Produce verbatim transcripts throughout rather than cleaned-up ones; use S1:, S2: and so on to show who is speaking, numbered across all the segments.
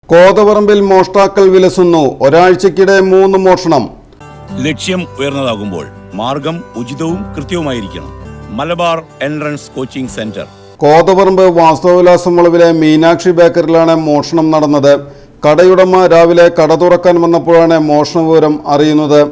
S1: കോതപറമ്പിൽ മോഷ്ടാക്കൾ വിലസുന്നു. ഒരാഴ്ചക്കിടെ മൂന്ന് മോഷണം.
S2: ലക്ഷ്യം ഉയർന്നതാകുമ്പോൾ മാർഗം ഉചിതവും കൃത്യവുമായിരിക്കണം. Malabar entrance coaching centre.
S1: കോതപറമ്പ് വാസ്തവവിലാസം വളവിലെ മീനാക്ഷി ബേക്കറിലാണ് മോഷണം നടന്നത്. കടയുടമ രാവിലെ കട തുറക്കാൻ വന്നപ്പോഴാണ് മോഷണ വിവരം അറിയുന്നത്.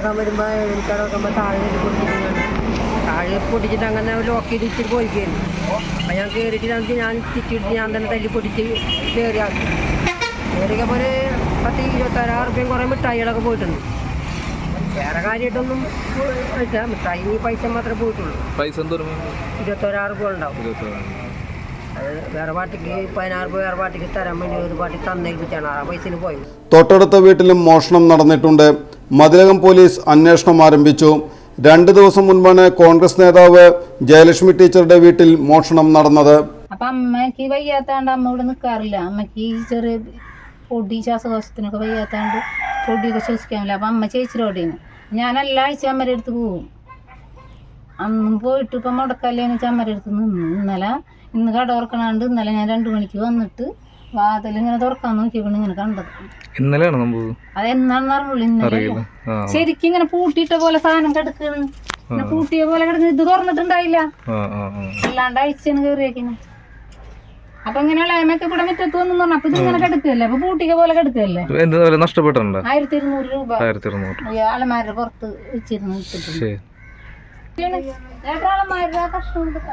S3: പൊട്ടിച്ചിട്ട് അങ്ങനെ ലോക്ക് ചെയ്ത് ഇച്ചിരി പോയിക്കായിരുന്നു. അപ്പം ഞാൻ കയറിയിട്ട് ഞാൻ തിറ്റിട്ട് ഞാൻ തന്നെ തല്ലി പൊട്ടിച്ച് കയറിയാക്കി കയറിയപ്പോൾ ഒരു പത്ത് ഇരുപത്താറായിരം റുപ്യം കുറേ മിഠായികളൊക്കെ പോയിട്ടുണ്ട്. വേറെ കാര്യമായിട്ടൊന്നും ഇല്ല. മിഠായി പൈസ മാത്രമേ പോയിട്ടുള്ളൂ.
S4: പൈസ
S3: ഇരുപത്തൊരാറ് രൂപ ഉണ്ടാവും. അത് വേറെ പാർട്ടിക്ക് പതിനാറ് രൂപ വേറെ പാർട്ടിക്ക് തരാൻ വേണ്ടി ഒരു പാർട്ടി തന്നേൽപ്പിച്ചാണ് ആ പൈസയിൽ പോയത്.
S1: തൊട്ടടുത്ത വീട്ടിലും മോഷണം നടന്നിട്ടുണ്ട്. മതിലകം പോലീസ് അന്വേഷണം ആരംഭിച്ചു. രണ്ടു ദിവസം മുൻപാണ് കോൺഗ്രസ് നേതാവ് ജയലക്ഷ്മി ടീച്ചറുടെ വീട്ടിൽ മോഷണം നടന്നത്.
S5: അപ്പൊ അമ്മക്ക് വയ്യാത്താണ്ട് അമ്മ ഇവിടെ നിൽക്കാറില്ല. അമ്മക്ക് ചെറിയ പൊടി ശ്വാസകോശത്തിനൊക്കെ വയ്യാത്താണ്ട് പൊടിയൊക്കെ ശ്വസിക്കാനില്ല. അപ്പൊ അമ്മ ചേച്ചിരോടെയാണ് ഞാൻ എല്ലാ ആഴ്ച അമ്മയുടെ അടുത്ത് പോകും. അന്നും പോയിട്ട് ഇപ്പം മുടക്കല്ലേന്ന് വെച്ചാൽ അമ്മയുടെ അടുത്ത് നിന്ന് ഇന്നലെ ഇന്ന് കട തുറക്കണാണ്ട് ഇന്നലെ ഞാൻ രണ്ടു മണിക്ക് വന്നിട്ട് വാതിൽ ഇങ്ങനെ തുറക്കാൻ നോക്കിയപ്പോൾ ഇങ്ങനെ കണ്ടത്.
S4: ഇന്നലെയാണ്
S5: അതെന്നാണെന്ന് അറിഞ്ഞുള്ളൂ. ഇന്നലെ ശരിക്കും ഇങ്ങനെ പൂട്ടിയിട്ട പോലെ സാധനം കിടക്കണ്. പിന്നെ പൂട്ടിയ പോലെ കിടന്ന് ഇത് തുറന്നിട്ടുണ്ടായില്ല. അല്ലാണ്ട് അഴിച്ചാണ് കയറിയേക്കിന്. അപ്പൊ ഇങ്ങനെയുള്ള അമ്മയൊക്കെ ഇവിടെ മുറ്റത്ത് വന്നു പറഞ്ഞു. അപ്പൊ ഇതിങ്ങനെ കിടക്കുകയല്ലേ. അപ്പൊ പൂട്ടിക പോലെ കിടക്കുകയല്ലേ.
S4: നഷ്ടപ്പെട്ടിട്ടുണ്ട്.
S5: ആയിരത്തി ഇരുന്നൂറ് രൂപ അലമാരുടെ പുറത്ത് വെച്ചിരുന്നു. അലമാരുടെ കഷ്ണം